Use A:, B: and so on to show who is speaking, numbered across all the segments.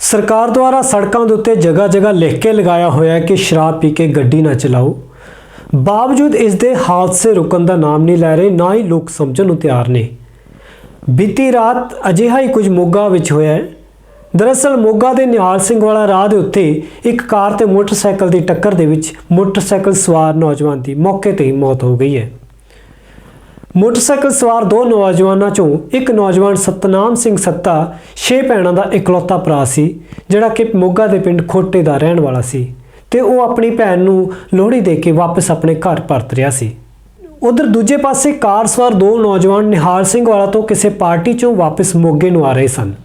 A: ਸਰਕਾਰ ਦੁਆਰਾ ਸੜਕਾਂ ਦੇ ਉੱਤੇ ਜਗ੍ਹਾ ਜਗ੍ਹਾ ਲਿਖ ਕੇ ਲਗਾਇਆ ਹੋਇਆ ਹੈ ਕਿ ਸ਼ਰਾਬ ਪੀ ਕੇ ਗੱਡੀ ਨਾ ਚਲਾਓ। ਬਾਵਜੂਦ ਇਸ ਦੇ ਹਾਦਸੇ ਰੁਕਣ ਦਾ ਨਾਮ ਨਹੀਂ ਲੈ ਰਹੇ, ਨਾ ਹੀ ਲੋਕ ਸਮਝਣ ਨੂੰ ਤਿਆਰ ਨੇ। ਬੀਤੀ ਰਾਤ ਅਜਿਹਾ ਹੀ ਕੁਝ ਮੋਗਾ ਵਿੱਚ ਹੋਇਆ ਹੈ। ਦਰਅਸਲ ਮੋਗਾ ਦੇ ਨਿਹਾਲ ਸਿੰਘ ਵਾਲਾ ਰਾਹ ਦੇ ਉੱਤੇ ਇੱਕ ਕਾਰ ਤੇ ਮੋਟਰਸਾਈਕਲ ਦੀ ਟੱਕਰ ਦੇ ਵਿੱਚ ਮੋਟਰਸਾਈਕਲ ਸਵਾਰ ਨੌਜਵਾਨ ਦੀ ਮੌਕੇ ਤੇ ਹੀ ਮੌਤ ਹੋ ਗਈ ਹੈ। ਮੋਟਰਸਾਈਕਲ ਸਵਾਰ ਦੋ ਨੌਜਵਾਨਾਂ ਚੋਂ ਇੱਕ ਨੌਜਵਾਨ ਸਤਨਾਮ ਸਿੰਘ ਸੱਤਾ 6 ਭੈਣਾਂ ਦਾ ਇਕਲੌਤਾ ਭਰਾ ਸੀ, ਜਿਹੜਾ ਕਿ ਮੋਗਾ ਦੇ ਪਿੰਡ ਖੋਟੇ ਦਾ ਰਹਿਣ ਵਾਲਾ ਸੀ ਤੇ ਉਹ ਆਪਣੀ ਭੈਣ ਨੂੰ ਲੋਹੜੀ ਦੇ ਕੇ ਵਾਪਸ ਆਪਣੇ ਘਰ ਪਰਤ ਰਿਹਾ ਸੀ। ਉਧਰ ਦੂਜੇ ਪਾਸੇ ਕਾਰ ਸਵਾਰ ਦੋ ਨੌਜਵਾਨ ਨਿਹਾਲ ਸਿੰਘ ਵਾਲਾ ਤੋਂ ਕਿਸੇ ਪਾਰਟੀ ਚੋਂ ਵਾਪਸ ਮੋਗੇ ਨੂੰ ਆ ਰਹੇ ਸਨ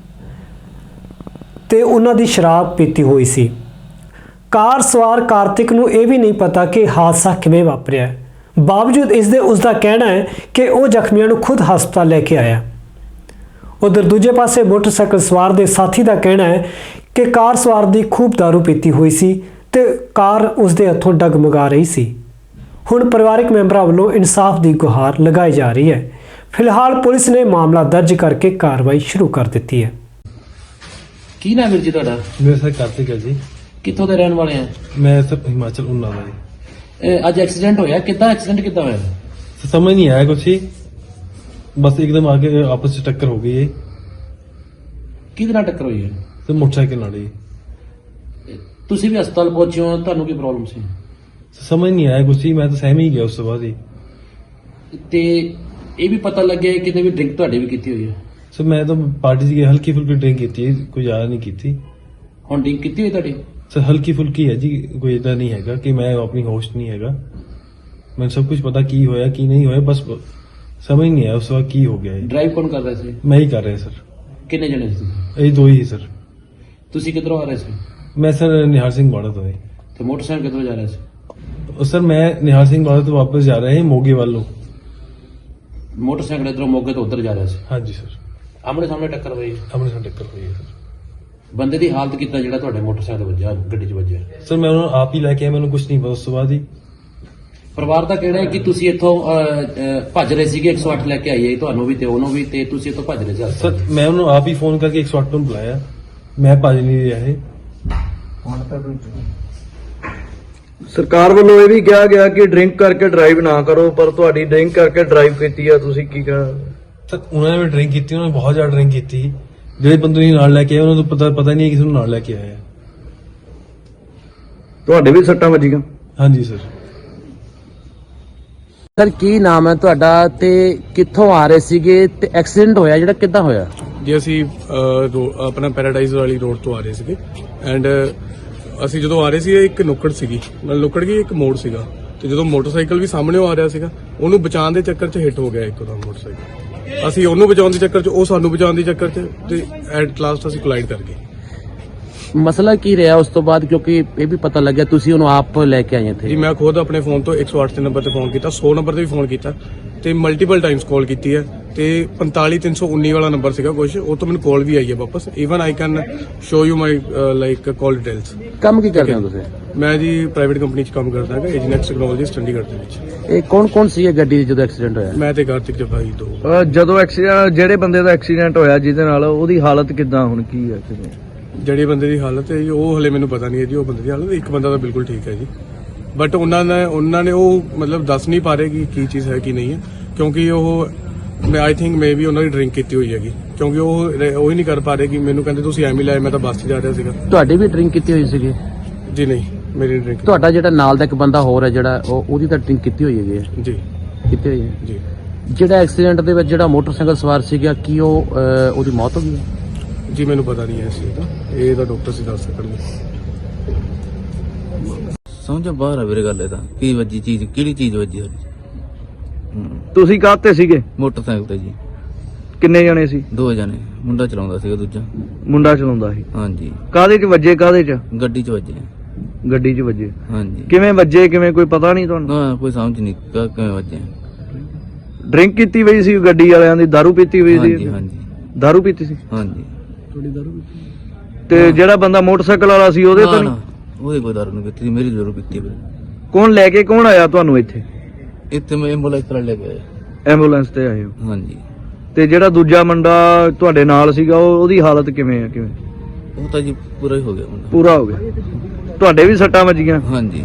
A: ਤੇ ਉਹਨਾਂ ਦੀ ਸ਼ਰਾਬ ਪੀਤੀ ਹੋਈ ਸੀ। ਕਾਰ ਸਵਾਰ ਕਾਰਤਿਕ ਨੂੰ ਇਹ ਵੀ ਨਹੀਂ ਪਤਾ ਕਿ ਹਾਦਸਾ ਕਿਵੇਂ ਵਾਪਰਿਆ। ਬਾਵਜੂਦ ਇਸ ਦੇ ਉਸ ਦਾ ਕਹਿਣਾ ਹੈ ਕਿ ਉਹ ਜ਼ਖਮੀਆਂ ਨੂੰ ਖੁਦ ਹਸਪਤਾਲ ਲੈ ਕੇ ਆਇਆ। ਉਧਰ ਦੂਜੇ ਪਾਸੇ ਮੋਟਰਸਾਈਕਲ ਸਵਾਰ ਦੇ ਸਾਥੀ ਦਾ ਕਹਿਣਾ ਹੈ ਕਿ ਕਾਰ ਸਵਾਰ ਦੀ ਖੂਬ ਦਾਰੂ ਪੀਤੀ ਹੋਈ ਸੀ ਤੇ ਕਾਰ ਉਸ ਦੇ ਹੱਥੋਂ ਡਗਮਗਾ ਰਹੀ ਸੀ। ਹੁਣ ਪਰਿਵਾਰਕ ਮੈਂਬਰਾਂ ਵੱਲੋਂ ਇਨਸਾਫ ਦੀ ਗੁਹਾਰ ਲਗਾਈ ਜਾ ਰਹੀ ਹੈ। ਫਿਲਹਾਲ ਪੁਲਿਸ ਨੇ ਮਾਮਲਾ ਦਰਜ ਕਰਕੇ ਕਾਰਵਾਈ ਸ਼ੁਰੂ ਕਰ ਦਿੱਤੀ ਹੈ।
B: ਕੀ ਨਾਮ ਵੀਰ ਜੀ ਤੁਹਾਡਾ?
C: ਮੇਰਾ ਸਰ ਕਾਰਤਿਕ ਹੈ ਜੀ।
B: ਕਿੱਥੋਂ ਦੇ ਰਹਿਣ ਵਾਲੇ ਆ?
C: ਮੈਂ ਸਰ ਹਿਮਾਚਲ ਉਨਾ ਦਾ ਜੀ।
B: ਅੱਜ ਐਕਸੀਡੈਂਟ ਹੋਇਆ, ਕਿੱਦਾਂ ਐਕਸੀਡੈਂਟ ਕਿੱਦਾਂ ਹੋਇਆ?
C: समझ नहीं आया कुछ ही, बस एकदम आगे आपस में टक्कर हो गई है।
B: ਕਿਹਦੇ ਨਾਲ ਟੱਕਰ ਹੋਈ ਹੈ?
C: तो मोटरसाइकिल नाल ही
B: ਤੁਸੀਂ ਵੀ ਹਸਪਤਾਲ ਪਹੁੰਚੇ ਹੋ, ਤੁਹਾਨੂੰ ਕੀ ਪ੍ਰੋਬਲਮ ਸੀ?
C: समझ नहीं आया कुछ ही, मैं तो सहम ही गया उस बाद ही।
B: ਤੇ ਇਹ ਵੀ ਪਤਾ ਲੱਗਿਆ ਕਿ ਕਿਤੇ ਵੀ ਡਰਿੰਕ ਤੁਹਾਡੀ ਵੀ ਕੀਤੀ ਹੋਈ ਹੈ?
C: सर मैं तो पार्टी से हल्की फुल्की ड्रिंक की थी, कोई ज्यादा नहीं की थी।
B: ਹੁਣ ਡਰਿੰਕ ਕੀਤੀ ਹੋਈ ਤੁਹਾਡੀ?
C: सर हल्की फुल्की है जी, कोई इतना नहीं हैगा कि मैं अपनी होश नहीं हैगा। मैं सब कुछ पता की होया की नहीं होया, बस समझ नहीं आया उस वक्त की हो गया है।
B: ਡਰਾਈਵ ਕੌਣ ਕਰ ਰਿਹਾ ਸੀ?
C: मैं ही कर रहा सर।
B: ਕਿੰਨੇ ਜਣੇ ਸੀ?
C: यही दो ही सर।
B: ਤੁਸੀਂ ਕਿੱਧਰੋਂ ਆ ਰਹੇ ਸੀ?
C: मैं सर निहाल सिंह बाड़ा तो है।
B: ਤੇ ਮੋਟਰਸਾਈਕਲ ਕਿੱਧਰੋਂ ਜਾ ਰਿਹਾ ਸੀ?
C: और सर मैं निहाल सिंह बाड़ा तो वापस जा रहे हैं मोगे वालों।
B: ਮੋਟਰਸਾਈਕਲ ਇਧਰੋਂ ਮੋਗੇ ਤੋਂ ਉੱਧਰ ਜਾ ਰਿਹਾ ਸੀ।
C: हाँ जी सर।
B: ਆਮਣੇ ਸਾਹਮਣੇ ਟੱਕਰ ਹੋਈ।
C: हमने साथ टक्कर हुई है सर।
B: ਬੰਦੇ ਦੀ ਹਾਲਤ ਕਿੱਦਾਂ ਜਿਹੜਾ ਤੁਹਾਡੇ ਮੋਟਰਸਾਈਕਲ ਵੱਜਿਆ, ਗੱਡੀ 'ਚ ਵੱਜਿਆ?
C: सर मैं उन्होंने आप ही लेके आया, मैंने कुछ नहीं पता उस बाद ही।
B: ਪਰਿਵਾਰ ਦਾ ਕਹਿਣਾ ਹੈ ਕਿ ਤੁਸੀਂ ਇੱਥੋਂ ਭੱਜ ਰਹੇ ਸੀਗੇ, 108 ਲੈ ਕੇ ਆਈਏ ਤੁਹਾਨੂੰ ਵੀ ਤੇ ਉਹਨੂੰ ਵੀ, ਤੇ ਤੁਸੀਂ ਇੱਥੋਂ ਭੱਜ ਰਹੇ ਸੀ।
C: सर मैं उन्होंने आप ही फोन करके 108 ਨੂੰ बुलाया, मैं भज नहीं रहा है।
D: ਸਰਕਾਰ ਵੱਲੋਂ ਇਹ ਵੀ ਕਿਹਾ ਗਿਆ ਕਿ ਡਰਿੰਕ ਕਰਕੇ ਡਰਾਈਵ ਨਾ ਕਰੋ, ਪਰ ਤੁਹਾਡੀ ਡਰਿੰਕ ਕਰਕੇ ਡਰਾਈਵ ਕੀਤੀ ਆ, ਤੁਸੀਂ ਕੀ ਕਹਿਣਾ?
C: सर उन्होंने भी ड्रिंक की थी, उन्होंने बहुत ज्यादा ड्रिंक की थी। ਜਿਹੜੇ ਬੰਦੇ ਨੂੰ ਨਾਲ ਲੈ ਕੇ ਆਏ ਉਹਨਾਂ ਨੂੰ ਪਤਾ ਨਹੀਂ ਕਿਸ ਨੂੰ ਨਾਲ ਲੈ ਕੇ ਆਇਆ।
D: ਤੁਹਾਡੇ ਵੀ ਸੱਟਾਂ ਵੱਜੀਆਂ?
C: ਹਾਂਜੀ ਸਰ।
B: ਸਰ ਕੀ ਨਾਮ ਹੈ ਤੁਹਾਡਾ ਤੇ ਕਿੱਥੋਂ ਆ ਰਹੇ ਸੀਗੇ ਤੇ ਐਕਸੀਡੈਂਟ ਹੋਇਆ ਜਿਹੜਾ ਕਿੱਦਾਂ ਹੋਇਆ?
E: ਜੀ ਅਸੀਂ ਆਪਣਾ ਪੈਰਾਡਾਈਜ਼ ਵਾਲੀ ਰੋਡ ਤੋਂ ਆ ਰਹੇ ਸੀਗੇ ਐਂਡ ਅਸੀਂ ਜਦੋਂ ਆ ਰਹੇ ਸੀ ਇੱਕ ਨੁੱਕੜ ਸੀਗੀ, ਨਾਲ ਨੁੱਕੜ ਗਈ, ਇੱਕ ਮੋੜ ਸੀਗਾ ਤੇ ਜਦੋਂ ਮੋਟਰਸਾਈਕਲ ਵੀ ਸਾਹਮਣੇ ਆ ਰਿਹਾ ਸੀਗਾ ਉਹਨੂੰ ਬਚਾਉਣ ਦੇ ਚੱਕਰ 'ਚ ਹਿੱਟ ਹੋ ਗਿਆ ਇੱਕਦਮ ਮੋਟਰਸਾਈਕਲ। ਅਸੀਂ ਉਹਨੂੰ ਬਚਾਉਣ ਦੇ ਚੱਕਰ 'ਚ, ਉਹ ਸਾਨੂੰ ਬਚਾਉਣ ਦੇ ਚੱਕਰ 'ਚ ਤੇ ਐਟ ਲਾਸਟ ਅਸੀਂ ਕੋਲਾਈਡ ਕਰ ਗਏ।
B: ਮਸਲਾ ਕੀ ਰਿਹਾ ਉਸ ਤੋਂ ਬਾਅਦ, ਕਿਉਂਕਿ ਇਹ ਵੀ ਪਤਾ ਲੱਗਿਆ ਤੁਸੀਂ ਉਹਨੂੰ ਆਪ ਲੈ ਕੇ ਆਏ ਇੱਥੇ?
E: ਜੀ ਮੈਂ ਖੁਦ ਆਪਣੇ ਫੋਨ ਤੋਂ 108 ਦੇ ਨੰਬਰ ਤੇ ਫੋਨ ਕੀਤਾ, 100 ਨੰਬਰ ਤੇ ਵੀ ਫੋਨ ਕੀਤਾ ਤੇ ਮਲਟੀਪਲ ਟਾਈਮਸ ਕਾਲ ਕੀਤੀ ਹੈ ਤੇ 45319 ਵਾਲਾ ਨੰਬਰ ਸੀਗਾ ਕੁਝ, ਉਹ ਤੋਂ ਮੈਨੂੰ ਕਾਲ ਵੀ ਆਈ ਹੈ ਵਾਪਸ। Even I can show you my like call details.
B: ਕੰਮ ਕੀ ਕਰਦੇ ਹੋ ਤੁਸੀਂ?
E: ਮੈਂ ਜੀ ਪ੍ਰਾਈਵੇਟ ਕੰਪਨੀ 'ਚ ਕੰਮ ਕਰਦਾ ਹਾਂ, ਏਜਨੈਕਸ ਟੈਕਨੋਲੋਜੀਸ ਚੰਡੀਗੜ੍ਹ ਦੇ ਵਿੱਚ।
B: ਇਹ ਕੌਣ ਸੀ ਇਹ ਗੱਡੀ ਜਦੋਂ ਐਕਸੀਡੈਂਟ ਹੋਇਆ?
E: ਮੈਂ ਤੇ ਕਾਰਤਿਕ ਜਫਾਈ ਦੋ।
D: ਜਦੋਂ ਐਕਸੀਡੈਂਟ, ਜਿਹੜੇ ਬੰਦੇ ਦਾ ਐਕਸੀਡੈਂਟ ਹੋਇਆ ਜਿਹਦੇ ਨਾਲ, ਉਹਦੀ ਹਾਲਤ ਕਿੱਦਾਂ ਹੁਣ, ਕੀ ਹੈ?
E: ਜਿਹੜੇ ਬੰਦੇ ਦੀ ਹਾਲਤ ਹੈ ਜੀ ਉਹ ਹਲੇ ਮੈਨੂੰ ਪਤਾ ਨਹੀਂ ਹੈ ਜੀ, ਉਹ ਬੰਦੇ ਦੀ ਹਾਲਤ, ਇੱਕ ਬੰਦਾ ਤਾਂ ਬਿਲਕੁਲ ਠੀਕ ਹੈ ਜੀ, ਬਟ ਉਹਨਾਂ ਨੇ ਉਹ ਮਤਲਬ ਦੱਸ ਨਹੀਂ ਪਾ ਰਹੇ ਕਿ ਕੀ ਚੀਜ਼ ਹੈ ਕੀ ਨਹੀਂ ਹੈ, ਕਿਉਂਕਿ ਉਹ ਆਈ ਥਿੰਕ ਮੇ ਵੀ ਉਹਨਾਂ ਦੀ ਡਰਿੰਕ ਕੀਤੀ ਹੋਈ ਹੈਗੀ, ਕਿਉਂਕਿ ਉਹ ਹੀ ਨਹੀਂ ਕਰ ਪਾ ਰਹੇ ਕਿ ਮੈਨੂੰ ਕਹਿੰਦੇ ਤੁਸੀਂ ਐਵੇਂ ਲਾਇਆ, ਮੈਂ ਤਾਂ ਬੱਸ 'ਚ ਜਾ ਰਿਹਾ ਸੀਗਾ।
B: ਤੁਹਾਡੀ ਵੀ ਡਰਿੰਕ ਕੀਤੀ ਹੋਈ ਸੀਗੀ?
E: ਜੀ ਨਹੀਂ, ਮੇਰੀ ਡਰਿੰਕ।
B: ਤੁਹਾਡਾ ਜਿਹੜਾ ਨਾਲ ਦਾ ਇੱਕ ਬੰਦਾ ਹੋਰ ਹੈ ਜਿਹੜਾ ਉਹਦੀ ਤਾਂ ਡਰਿੰਕ ਕੀਤੀ ਹੋਈ ਹੈਗੀ?
E: ਜੀ
B: ਕੀਤੀ ਹੋਈ ਹੈ
E: ਜੀ।
B: ਜਿਹੜਾ ਐਕਸੀਡੈਂਟ ਦੇ ਵਿੱਚ ਜਿਹੜਾ ਮੋਟਰਸਾਈਕਲ ਸਵਾਰ ਸੀਗਾ, ਕੀ ਉਹਦੀ ਮੌਤ ਹੋ ਗਈ?
E: ਜੀ ਮੈਨੂੰ ਪਤਾ ਨਹੀਂ ਹੈ ਇਸ ਚੀਜ਼ ਦਾ, ਇਹ ਤਾਂ ਡਾਕਟਰ ਸੀ ਦੱਸ ਸਕਣਗੇ।
F: ਸਮਝੋ ਬਾਹਰ ਆ ਵੀਰੇ ਗੱਲ ਇਹ ਤਾਂ, ਕੀ ਵੱਜੀ ਚੀਜ਼, ਕਿਹੜੀ ਚੀਜ਼ ਵੱਜੀ?
D: ਤੁਸੀਂ ਕਾਹਤੇ ਸੀਗੇ?
F: ਮੋਟਰਸਾਈਕਲ ਤੇ ਜੀ।
D: ਕਿੰਨੇ ਜਣੇ ਸੀ?
F: 2 ਜਣੇ, ਮੁੰਡਾ ਚਲਾਉਂਦਾ ਸੀਗਾ, ਦੂਜਾ
D: ਮੁੰਡਾ ਚਲਾਉਂਦਾ ਸੀ।
F: ਹਾਂਜੀ।
D: ਕਾਹਦੇ 'ਚ ਵੱਜੇ? ਕਾਹਦੇ 'ਚ?
F: ਗੱਡੀ 'ਚ ਵੱਜੇ।
D: ਗੱਡੀ 'ਚ ਵੱਜੇ।
F: ਹਾਂਜੀ।
D: ਕਿਵੇਂ ਵੱਜੇ, ਕਿਵੇਂ, ਕੋਈ ਪਤਾ ਨਹੀਂ ਤੁਹਾਨੂੰ?
F: ਨਾ ਕੋਈ ਸਮਝ ਨਹੀਂ ਕਿਵੇਂ ਵੱਜੇ।
D: ਡਰਿੰਕ ਕੀਤੀ ਹੋਈ ਸੀ ਗੱਡੀ ਵਾਲਿਆਂ ਦੀ, ਦਾਰੂ ਪੀਤੀ ਹੋਈ ਸੀ?
F: ਹਾਂਜੀ ਹਾਂਜੀ
D: ਦਾਰੂ ਪੀਤੀ ਸੀ?
F: ਹਾਂਜੀ।
D: ਤੇ ਜਿਹੜਾ ਬੰਦਾ ਮੋਟਰਸਾਈਕਲ ਵਾਲਾ ਸੀ ਉਹਦੇ ਤਾਂ ਨਹੀਂ?
F: ਉਹਦੇ ਕੋਈ ਦਾਰੂ ਨਹੀਂ ਪੀਤੀ, ਮੇਰੀ ਜ਼ਰੂਰ ਪੀਤੀ ਵੀਰੇ।
D: ਕੌਣ ਲੈ ਕੇ, ਕੌਣ ਆਇਆ ਤੁਹਾਨੂੰ ਇੱਥੇ?
F: ਇੱਥੇ ਮੈਂ ਐਂਬੂਲੈਂਸ ਨਾਲ ਲੈ ਕੇ ਆਇਆ।
D: ਐਂਬੂਲੈਂਸ ਤੇ ਆਏ ਹੋ?
F: ਹਾਂਜੀ।
D: ਤੇ ਜਿਹੜਾ ਦੂਜਾ ਮੁੰਡਾ ਤੁਹਾਡੇ ਨਾਲ ਸੀਗਾ ਉਹਦੀ ਹਾਲਤ ਕਿਵੇਂ ਆ? ਕਿਵੇਂ
F: ਉਹ ਤਾਂ ਜੀ ਪੂਰਾ ਹੀ ਹੋ ਗਿਆ ਮੁੰਡਾ।
D: ਪੂਰਾ ਹੋ ਗਿਆ। ਤੁਹਾਡੇ ਵੀ ਸੱਟਾਂ ਵੱਜੀਆਂ?
F: ਹਾਂਜੀ।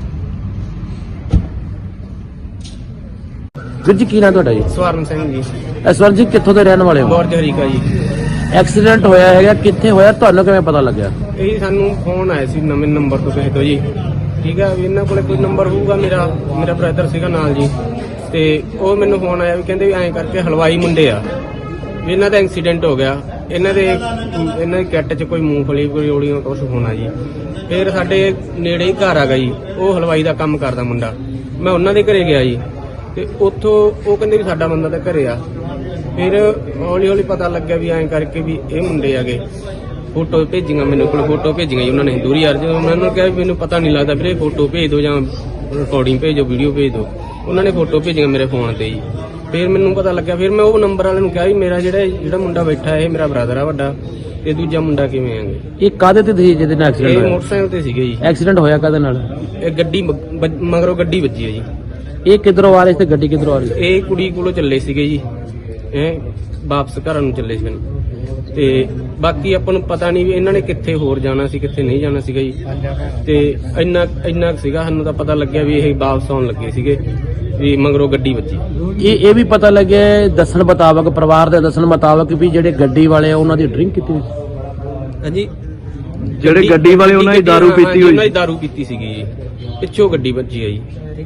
B: ਵੀਰ ਜੀ ਕੀ ਨਾਂ ਤੁਹਾਡਾ ਜੀ?
G: ਸਵਰਨ ਸਿੰਘ ਜੀ,
B: ਸਵਰ ਜੀ ਕਿੱਥੋਂ ਦੇ ਰਹਿਣ ਵਾਲੇ ਹੋ?
G: ਗੌਰ ਹਰੀਕਾ ਜੀ।
B: ਐਕਸੀਡੈਂਟ ਹੋਇਆ ਹੈਗਾ, ਕਿੱਥੇ ਹੋਇਆ, ਤੁਹਾਨੂੰ ਕਿਵੇਂ ਪਤਾ ਲੱਗਿਆ?
G: ਇਹ ਸਾਨੂੰ ਫੋਨ ਆਇਆ ਸੀ ਨਵੇਂ ਨੰਬਰ ਤੋਂ ਕਿਸੇ ਤੋਂ ਜੀ। ਠੀਕ ਹੈ, ਵੀ ਇਹਨਾਂ ਕੋਲੇ ਕੋਈ ਨੰਬਰ ਹੋਊਗਾ, ਮੇਰਾ ਬ੍ਰਦਰ ਸੀਗਾ ਨਾਲ ਜੀ, ਤੇ ਉਹ ਮੈਨੂੰ ਫੋਨ ਆਇਆ ਵੀ ਕਹਿੰਦੇ ਵੀ ਐਂ ਕਰਕੇ ਹਲਵਾਈ ਮੁੰਡੇ ਆ ਵੀ ਇਹਨਾਂ ਦਾ ਐਕਸੀਡੈਂਟ ਹੋ ਗਿਆ, ਇਹਨਾਂ ਦੀ ਕਿੱਟ 'ਚ ਕੋਈ ਮੂੰਗਫਲੀ ਕੋਈ ਰੋੜੀਆਂ ਕੁਛ ਹੋਣਾ ਜੀ। ਫਿਰ ਸਾਡੇ ਨੇੜੇ ਹੀ ਘਰ ਆ ਜੀ, ਉਹ ਹਲਵਾਈ ਦਾ ਕੰਮ ਕਰਦਾ ਮੁੰਡਾ। ਮੈਂ ਉਹਨਾਂ ਦੇ ਘਰੇ ਗਿਆ ਜੀ, ਤੇ ਉੱਥੋਂ ਉਹ ਕਹਿੰਦੇ ਵੀ ਸਾਡਾ ਬੰਦਾ ਤਾਂ ਘਰੇ ਆ। ਫਿਰ ਹੌਲੀ ਹੌਲੀ ਪਤਾ ਲੱਗਿਆ ਵੀ ਐਂ ਕਰਕੇ ਵੀ ਇਹ ਮੁੰਡੇ ਆਗੇ। ਫੋਟੋ ਭੇਜੀਆਂ ਮੈਨੂੰ ਕੋਲ, ਫੋਟੋ ਭੇਜੀਆਂ ਜੀ ਉਹਨਾਂ ਨੇ ਦੂਰੀ ਯਾਰ। ਜਦੋਂ ਉਹਨਾਂ ਨੂੰ ਕਿਹਾ ਵੀ ਮੈਨੂੰ ਪਤਾ ਨਹੀਂ ਲੱਗਦਾ ਵੀਰੇ, ਫੋਟੋ ਭੇਜ ਦਿਓ ਜਾਂ ਰਿਕਾਰਡਿੰਗ ਭੇਜੋ, ਵੀਡੀਓ ਭੇਜ ਦਿਓ। ਉਹਨਾਂ ਨੇ ਫੋਟੋ ਭੇਜੀਆਂ ਮੇਰੇ ਫੋਨ ਤੇ ਜੀ। ਫਿਰ ਮੈਨੂੰ ਪਤਾ ਲੱਗਿਆ, ਫਿਰ ਮੈਂ ਉਹ ਨੰਬਰ ਵਾਲੇ ਨੂੰ ਕਿਹਾ ਵੀ ਮੇਰਾ ਜਿਹੜਾ ਮੁੰਡਾ ਬੈਠਾ ਇਹ ਮੇਰਾ ਬ੍ਰਦਰ ਆ ਵੱਡਾ, ਤੇ ਦੂਜਾ ਮੁੰਡਾ ਕਿਵੇਂ ਆਂਗੇ।
B: ਇਹ ਕਾਹਦੇ ਤੇ ਸੀ ਜਿਹਦੇ ਨਾਲ ਐਕਸੀਡੈਂਟ
G: ਇਹ
B: ਹੋਇਆ?
G: ਮੋਟਰਸਾਈਕਲ ਤੇ ਸੀਗੇ ਜੀ।
B: ਐਕਸੀਡੈਂਟ ਹੋਇਆ ਕਾਹਦੇ ਨਾਲ?
G: ਇਹ ਗੱਡੀ ਮਗਰੋਂ ਗੱਡੀ ਵੱਜੀ ਹੈ ਜੀ।
B: ਇਹ ਕਿੱਧਰੋਂ ਆ ਰਹੇ ਸੀ ਤੇ ਗੱਡੀ ਕਿੱਧਰੋਂ ਆ ਰਹੀ ਸੀ?
G: ਇਹ ਕੁੜੀ ਕੋਲੋਂ ਚੱਲੇ ਸੀਗੇ ਜੀ, ਇਹ ਵਾਪਸ ਘਰਾਂ ਨੂੰ ਚੱਲੇ ਸੀ। ਤੇ ਬਾਕੀ ਆਪਾਂ ਨੂੰ ਪਤਾ ਨਹੀਂ ਵੀ ਇਹਨਾਂ ਨੇ ਕਿੱਥੇ ਹੋਰ ਜਾਣਾ ਸੀ, ਕਿੱਥੇ ਨਹੀਂ ਜਾਣਾ ਸੀਗਾ ਜੀ। ਤੇ ਇੰਨਾ ਕੁ ਸੀਗਾ ਸਾਨੂੰ ਤਾਂ ਪਤਾ ਲੱਗਿਆ ਵੀ ਇਹ ਵਾਪਸ ਆਉਣ ਲੱਗੇ ਸੀਗੇ, ਵੀ ਮਗਰੋਂ ਗੱਡੀ ਵੱਜੀ।
B: ਇਹ ਵੀ ਪਤਾ ਲੱਗਿਆ ਦੱਸਣ ਮੁਤਾਬਕ, ਪਰਿਵਾਰ ਦੇ ਦੱਸਣ ਮੁਤਾਬਕ ਵੀ ਜਿਹੜੇ ਗੱਡੀ ਵਾਲੇ ਆ ਉਹਨਾਂ ਦੀ ਡਰਿੰਕ ਕੀਤੀ ਹੋਈ ਸੀ।
G: ਹਾਂਜੀ,
D: ਜਿਹੜੇ ਗੱਡੀ ਵਾਲੇ ਉਹਨਾਂ ਦੀ ਦਾਰੂ ਪੀਤੀ ਹੋਈ?
G: ਉਹਨਾਂ ਦੀ ਦਾਰੂ ਪੀਤੀ ਸੀਗੀ ਜੀ, ਪਿੱਛੋਂ ਗੱਡੀ ਵੱਜੀ ਆ ਜੀ।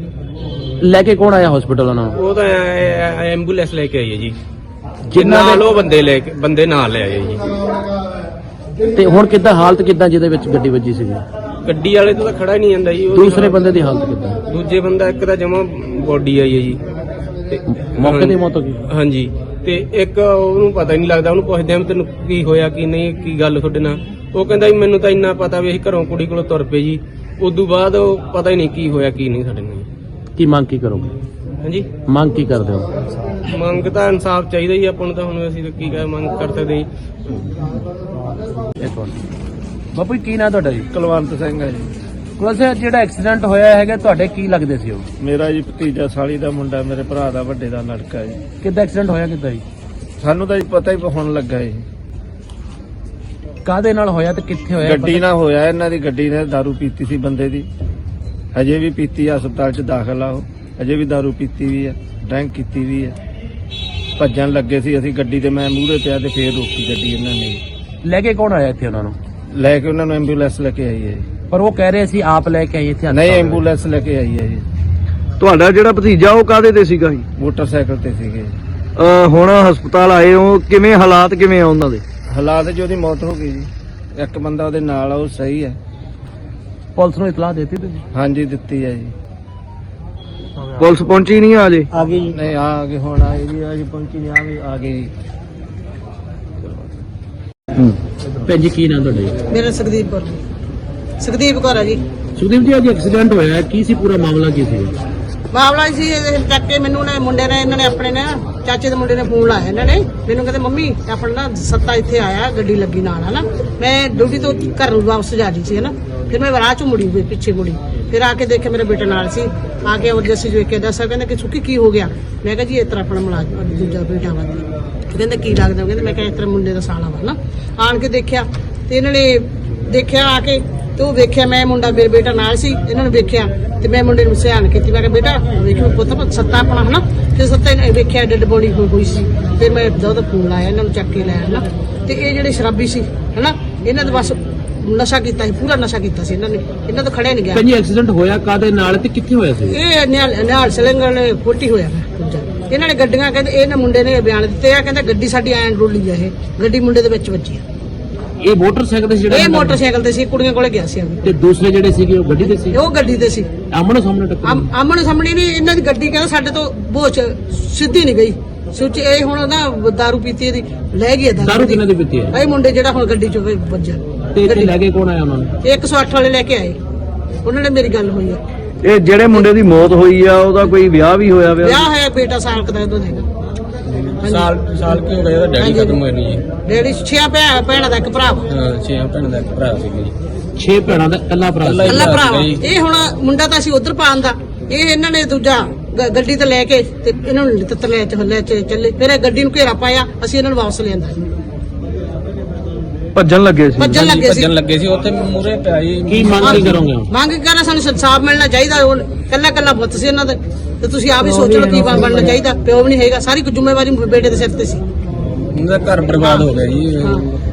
B: ਲੈ ਕੇ ਕੌਣ ਆਇਆ ਹਸਪੀਟਲ ਉਹਨਾਂ ਨੂੰ?
G: ਉਹ ਤਾਂ ਐਂਬੂਲੈਂਸ ਲੈ ਕੇ ਆਈ ਹੈ ਜੀ,
B: ਜਿਨ੍ਹਾਂ
G: ਨਾਲ ਉਹ ਬੰਦੇ ਨਾਲ ਲੈ ਆਏ ਜੀ।
B: ਤੇ ਹੁਣ ਕਿੱਦਾਂ ਹਾਲਤ ਕਿੱਦਾਂ ਜਿਹਦੇ ਵਿੱਚ ਗੱਡੀ ਵੱਜੀ ਸੀਗੀ?
G: ਗੱਡੀ ਵਾਲੇ ਤੋਂ ਤਾਂ ਖੜਾ ਹੀ ਨਹੀਂ ਜਾਂਦਾ ਜੀ।
B: ਦੂਸਰੇ ਬੰਦੇ ਦੀ ਹਾਲਤ ਕਿੱਦਾਂ?
G: ਦੂਜੇ ਬੰਦਾ ਇੱਕ ਤਾਂ ਜਮਾ ਬੋਡੀ ਆਈ ਹੈ ਜੀ, ਤੇ
B: ਮੌਕੇ ਤੇ ਮੌਤ ਹੋ ਗਈ?
G: ਹਾਂਜੀ। ਤੇ ਇੱਕ ਉਹਨੂੰ ਪਤਾ ਹੀ ਨਹੀਂ ਲੱਗਦਾ, ਉਹਨੂੰ ਪੁੱਛਦੇ ਆ ਤੈਨੂੰ ਕੀ ਹੋਇਆ ਕੀ ਨਹੀਂ, ਕੀ ਗੱਲ ਤੁਹਾਡੇ ਨਾਲ। ਉਹ ਕਹਿੰਦਾ ਵੀ ਮੈਨੂੰ ਤਾਂ ਇੰਨਾ ਪਤਾ ਵੀ ਅਸੀਂ ਘਰੋਂ ਕੁੜੀ ਕੋਲੋਂ ਤੁਰ ਪਏ ਜੀ, ਉਦੋਂ ਬਾਅਦ ਉਹ ਪਤਾ ਹੀ ਨਹੀਂ ਕੀ ਹੋਇਆ ਕੀ ਨਹੀਂ ਸਾਡੇ ਨਾਲ।
B: ਕੀ ਮੰਗ ਕੀ ਕਰੋਗੇ?
G: ਹਾਂਜੀ,
B: ਮੰਗ ਕੀ ਕਰਦੇ ਹੋ?
G: ਮੰਗ ਤਾਂ ਇਨਸਾਫ ਚਾਹੀਦਾ ਜੀ ਆਪਾਂ ਨੂੰ, ਤਾਂ ਹੁਣ ਅਸੀਂ ਤਾਂ ਕੀ ਮੰਗ ਕਰ ਸਕਦੇ ਜੀ।
B: ਬਾਪੂ ਕੀ ਨਾਂ ਤੁਹਾਡਾ ਜੀ?
H: ਕੁਲਵੰਤ ਸਿੰਘ ਹੈ ਜੀ।
B: ਵੈਸੇ ਜਿਹੜਾ ਐਕਸੀਡੈਂਟ ਹੋਇਆ ਹੈਗਾ ਤੁਹਾਡੇ ਕੀ ਲੱਗਦੇ ਸੀ ਉਹ?
H: ਮੇਰਾ ਜੀ ਭਤੀਜਾ, ਸਾਲੀ ਦਾ ਮੁੰਡਾ, ਮੇਰੇ ਭਰਾ ਦਾ ਵੱਡੇ ਦਾ ਲੜਕਾ ਜੀ।
B: ਕਿੱਦਾਂ ਐਕਸੀਡੈਂਟ ਹੋਇਆ ਕਿੱਦਾਂ ਜੀ?
H: ਸਾਨੂੰ ਤਾਂ ਜੀ ਪਤਾ ਹੀ ਹੁਣ ਲੱਗਾ ਜੀ।
B: ਕਾਹਦੇ ਨਾਲ ਹੋਇਆ ਤੇ ਕਿੱਥੇ ਹੋਇਆ?
H: ਗੱਡੀ ਨਾਲ ਹੋਇਆ, ਇਹਨਾਂ ਦੀ ਗੱਡੀ ਨੇ ਦਾਰੂ ਪੀਤੀ ਸੀ ਬੰਦੇ ਦੀ, ਹਜੇ ਵੀ ਪੀਤੀ ਆ, ਹਸਪਤਾਲ 'ਚ ਦਾਖਲ ਆ ਉਹ, ਹਜੇ ਵੀ ਦਾਰੂ ਪੀਤੀ ਵੀ ਆ, ਡਰਿੰਕ ਕੀਤੀ ਵੀ ਆ। ਭੱਜਣ ਲੱਗੇ ਸੀ ਅਸੀਂ, ਗੱਡੀ ਤੇ ਮੈਂ ਮੂਹਰੇ ਪਿਆ ਤੇ ਫੇਰ ਰੋਕੀ ਗੱਡੀ ਇਹਨਾਂ ਨੇ।
B: ਲੈ ਕੇ ਕੌਣ ਆਇਆ ਇੱਥੇ ਉਹਨਾਂ ਨੂੰ?
H: ਲੈ ਕੇ ਉਹਨਾਂ ਨੂੰ ਐਂਬੂਲੈਂਸ ਲੈ ਕੇ ਆਈ ਹੈ ਜੀ।
B: ਪਰ ਉਹ ਕਹਿ ਰਹੇ ਸੀ ਆਪ ਲੈ ਕੇ ਆਏ ਇੱਥੇ?
H: ਨਹੀਂ, ਐਂਬੂਲੈਂਸ ਲੈ ਕੇ ਆਈ ਹੈ ਜੀ।
D: ਤੁਹਾਡਾ ਜਿਹੜਾ ਭਤੀਜਾ ਉਹ ਕਾਹਦੇ ਤੇ ਸੀਗਾ ਜੀ?
H: ਮੋਟਰਸਾਈਕਲ ਤੇ ਸੀਗੇ।
D: ਹੁਣ ਹਸਪਤਾਲ ਆਏ ਹੋ, ਕਿਵੇਂ ਹਾਲਾਤ ਕਿਵੇਂ ਆ ਉਹਨਾਂ ਦੇ?
H: ਹਾਲਾਤ 'ਚ ਉਹਦੀ ਮੌਤ ਹੋ ਗਈ ਜੀ। ਇੱਕ ਬੰਦਾ ਉਹਦੇ ਨਾਲ ਆ, ਉਹ ਸਹੀ ਹੈ।
B: ਪੁਲਿਸ ਨੂੰ ਇਤਲਾਹ ਦਿੱਤੀ ਤੁਸੀਂ?
H: ਹਾਂਜੀ, ਦਿੱਤੀ ਹੈ ਜੀ।
D: ਪੁਲਿਸ ਪਹੁੰਚੀ ਨਹੀਂ ਅਜੇ?
B: ਆ ਗਈ ਜੀ।
H: ਨਹੀਂ, ਆ ਗਏ ਹੁਣ ਆਏ ਜੀ, ਅੱਜ ਪਹੁੰਚੀ ਨਹੀਂ, ਆ ਗਏ ਜੀ।
B: ਭੈਣ ਜੀ ਕੀ ਨਾਂ ਤੁਹਾਡਾ ਜੀ?
I: ਮੇਰਾ ਸੁਖਦੀਪ ਕੌਰ ਹੈ ਜੀ।
B: ਸੁਖਦੀਪ ਜੀ ਅੱਜ ਐਕਸੀਡੈਂਟ ਹੋਇਆ, ਕੀ ਸੀ ਪੂਰਾ ਮਾਮਲਾ ਕੀ ਸੀ?
I: ਮਾਮਲਾ ਸੀ ਇਹ ਚੱਕ ਕੇ ਮੈਨੂੰ ਨੇ ਮੁੰਡੇ ਨੇ, ਇਹਨਾਂ ਨੇ ਆਪਣੇ ਨੇ ਚਾਚੇ ਦੇ ਮੁੰਡੇ ਨੇ ਫੋਨ ਲਾਇਆ। ਇਹਨਾਂ ਨੇ ਮੈਨੂੰ ਕਹਿੰਦੇ ਮੰਮੀ ਆਪਣਾ ਨਾ ਸੱਤਾ ਇੱਥੇ ਆਇਆ, ਗੱਡੀ ਲੱਗੀ ਨਾਲ ਹਨਾ। ਮੈਂ ਡਿਊਟੀ ਤੋਂ ਘਰ ਨੂੰ ਵਾਪਸ ਜਾ ਰਹੀ ਸੀ ਹਨਾ। ਫਿਰ ਮੈਂ ਰਾਹ ਚੋਂ ਮੁੜੀ, ਪਿੱਛੇ ਮੁੜੀ, ਫਿਰ ਆ ਕੇ ਦੇਖਿਆ ਮੇਰੇ ਬੇਟੇ ਨਾਲ ਸੀ। ਆ ਕੇ ਉਹ ਜੱਸੀ ਵੇਖ ਕੇ ਦੱਸਿਆ, ਕਹਿੰਦਾ ਕਿ ਸੁੱਕੀ ਕੀ ਹੋ ਗਿਆ? ਮੈਂ ਕਿਹਾ ਜੀ ਇਸ ਤਰ੍ਹਾਂ ਆਪਣਾ ਮੁਲਾਜ਼ਮ ਦੂਜਾ ਬੇਟਾ ਵਾ। ਕਹਿੰਦੇ ਕੀ ਲੱਗਦਾ? ਕਹਿੰਦੇ ਮੈਂ ਕਿਹਾ ਇਸ ਤਰ੍ਹਾਂ ਮੁੰਡੇ ਦਾ ਸਾਲਾ ਵਾ ਨਾ। ਆਣ ਕੇ ਦੇਖਿਆ ਤੇ ਇਹਨਾਂ ਨੇ ਦੇਖਿਆ ਆ ਕੇ, ਤੇ ਉਹ ਵੇਖਿਆ ਮੈਂ ਮੁੰਡਾ, ਮੇਰੇ ਬੇਟਾ ਨਾਲ ਸੀ। ਇਹਨਾਂ ਨੇ ਵੇਖਿਆ ਤੇ ਮੈਂ ਮੁੰਡੇ ਨੂੰ ਸਿਆਣ ਕੀਤੀ। ਮੈਂ ਕਿਹਾ ਬੇਟਾ ਵੇਖੋ ਪੁੱਤ ਸੱਤਾ ਆਪਣਾ ਹਨਾ। ਫਿਰ ਸੱਤਾ ਨੇ ਵੇਖਿਆ ਡੈਡ ਬੋਡੀ ਹੋਈ ਸੀ। ਫਿਰ ਮੈਂ ਉਹਦਾ ਫੋਨ ਲਾਇਆ, ਇਹਨਾਂ ਨੂੰ ਚੱਕ ਕੇ ਲੈ ਆਇਆ ਨਾ। ਤੇ ਇਹ ਜਿਹੜੇ ਸ਼ਰਾਬੀ ਸੀ ਹਨਾ, ਇਹਨਾਂ ਦੇ ਬਸ ਨਸ਼ਾ ਕੀਤਾ ਸੀ, ਪੂਰਾ ਨਸ਼ਾ ਕੀਤਾ ਸੀ ਇਹਨਾਂ ਨੇ। ਇਹਨਾਂ ਤੋਂ ਖੜਿਆ ਨਹੀਂ ਗਿਆ।
B: ਭੈਣ ਜੀ ਐਕਸੀਡੈਂਟ ਹੋਇਆ ਕਾਹਦੇ ਨਾਲ ਤੇ ਕਿੱਥੇ ਹੋਇਆ ਸੀ?
I: ਇਹ ਨਿਹਾਲ ਸਲਿੰਗਰ ਨੇ ਫੋਟੀ ਹੋਇਆ ਦੂਜਾ। ਇਹਨਾਂ ਨੇ ਗੱਡੀਆਂ, ਕਹਿੰਦੇ ਇਹਨਾਂ ਮੁੰਡੇ ਨੇ ਬਿਆਨ ਦਿੱਤੇ ਆ, ਕਹਿੰਦਾ ਗੱਡੀ ਸਾਡੀ ਐਂ ਰੋਲੀ ਆ, ਇਹ ਗੱਡੀ ਮੁੰਡੇ ਦੇ ਵਿੱਚ ਵੱਜੀ ਆ।
B: ਇਹ ਮੋਟਰਸਾਈਕਲ ਤੇ ਸੀ ਜਿਹੜਾ?
I: ਇਹ ਮੋਟਰਸਾਈਕਲ ਤੇ ਸੀ, ਕੁੜੀਆਂ ਕੋਲੇ ਗਿਆ ਸੀ।
B: ਤੇ ਦੂਸਰੇ ਜਿਹੜੇ ਸੀਗੇ ਉਹ ਗੱਡੀ ਤੇ ਸੀ?
I: ਉਹ ਗੱਡੀ ਤੇ ਸੀ।
B: ਆਮਣੇ ਸਾਹਮਣੇ ਟੱਕਰ?
I: ਆਮਣੇ ਸਾਹਮਣੇ ਨਹੀਂ, ਇਹਨਾਂ ਦੀ ਗੱਡੀ ਕਹਿੰਦਾ ਸਾਡੇ ਤੋਂ ਬੋਚ ਸਿੱਧੀ ਨਹੀਂ ਗਈ। ਸੋਚ ਇਹ ਹੁਣ ਨਾ ਦਾਰੂ ਪੀਤੀ ਇਹਦੀ ਲੈ ਗਈ।
B: ਦਾਰੂ ਕਿਹਨਾਂ ਦੀ ਪੀਤੀ ਹੈ?
I: ਇਹ ਮੁੰਡੇ ਜਿਹੜਾ ਹੁਣ ਗੱਡੀ ਚੋਂ ਵੱਜਾ।
B: ਤੇ ਇੱਥੇ ਲੈ ਕੇ ਕੌਣ ਆਇਆ ਉਹਨਾਂ ਨੂੰ?
I: 108 ਵਾਲੇ ਲੈ ਕੇ ਆਏ, ਉਹਨਾਂ ਨੇ ਮੇਰੀ ਗੱਲ ਹੋਈ ਆ।
D: ਇਹ ਜਿਹੜੇ ਮੁੰਡੇ ਦੀ ਮੌਤ ਹੋਈ ਆ ਉਹਦਾ ਕੋਈ ਵਿਆਹ ਵੀ ਹੋਇਆ?
I: ਵਿਆਹ ਹੋਇਆ, ਬੇਟਾ ਸਾਲ ਕਦਾ ਉਹਦਾ ਹੈਗਾ।
G: ਸਾਲ ਕੀ ਹੋ ਗਿਆ? ਡੈਡੀ ਖਤਮ ਹੋਏ ਨੇ ਜੀ।
I: ਡੈਡੀ 6 ਭੈਣਾਂ ਦਾ ਇੱਕ ਭਰਾ ਵਾ।
G: 6 ਭੈਣਾਂ ਦਾ ਇੱਕ ਭਰਾ ਸੀਗਾ ਜੀ।
B: 6 ਭੈਣਾਂ ਦਾ ਇਕੱਲਾ ਭਰਾ ਸੀ?
I: ਇਕੱਲਾ ਭਰਾ ਵਾ। ਇਹ ਹੁਣ ਮੁੰਡਾ ਤਾਂ ਅਸੀਂ ਉਧਰ ਪਾਉਣ ਦਾ, ਇਹ ਇਹਨਾਂ ਨੇ ਦੂਜਾ ਗੱਡੀ ਤੇ ਲੈ ਕੇ ਤੇ ਇਹਨਾਂ ਨੂੰ ਤਤਲੇ ਚ ਚੱਲੇ। ਫਿਰ ਇਹ ਗੱਡੀ ਨੂੰ ਘੇਰਾ ਪਾਇਆ, ਅਸੀਂ ਇਹਨਾਂ ਨੂੰ ਵਾਪਸ ਲਿਆਂਦਾ।
D: ਭੱਜਣ ਲੱਗੇ ਸੀ
I: ਭੱਜਣ ਲੱਗੇ ਸੀ
G: ਲੱਗੇ ਸੀ ਉੱਥੇ ਮੂਰੇ ਪਿਆ ਜੀ
B: ਕੀ ਮੰਗ ਕੀ ਕਰੋਗੇ ਹੁਣ?
I: ਮੰਗ ਕਰਨਾ ਸਾਨੂੰ ਇਨਸਾਫ ਮਿਲਣਾ ਚਾਹੀਦਾ। ਹੁਣ ਕੱਲਾ ਕੱਲਾ ਪੁੱਤ ਸੀ ਇਹਨਾਂ ਦਾ, ਤੇ ਤੁਸੀਂ ਆਪ ਹੀ ਸੋਚ ਲਓ ਕੀ ਬਣਨਾ ਚਾਹੀਦਾ। ਪਿਓ ਵੀ ਨਹੀਂ ਹੈਗਾ, ਸਾਰੀ ਜ਼ਿੰਮੇਵਾਰੀ ਬੇਟੇ ਦੇ ਸਿਰ ਤੇ ਸੀ।
G: ਉਹਦਾ ਘਰ ਬਰਬਾਦ ਹੋ ਗਿਆ ਜੀ।
I: ਹਾਂ।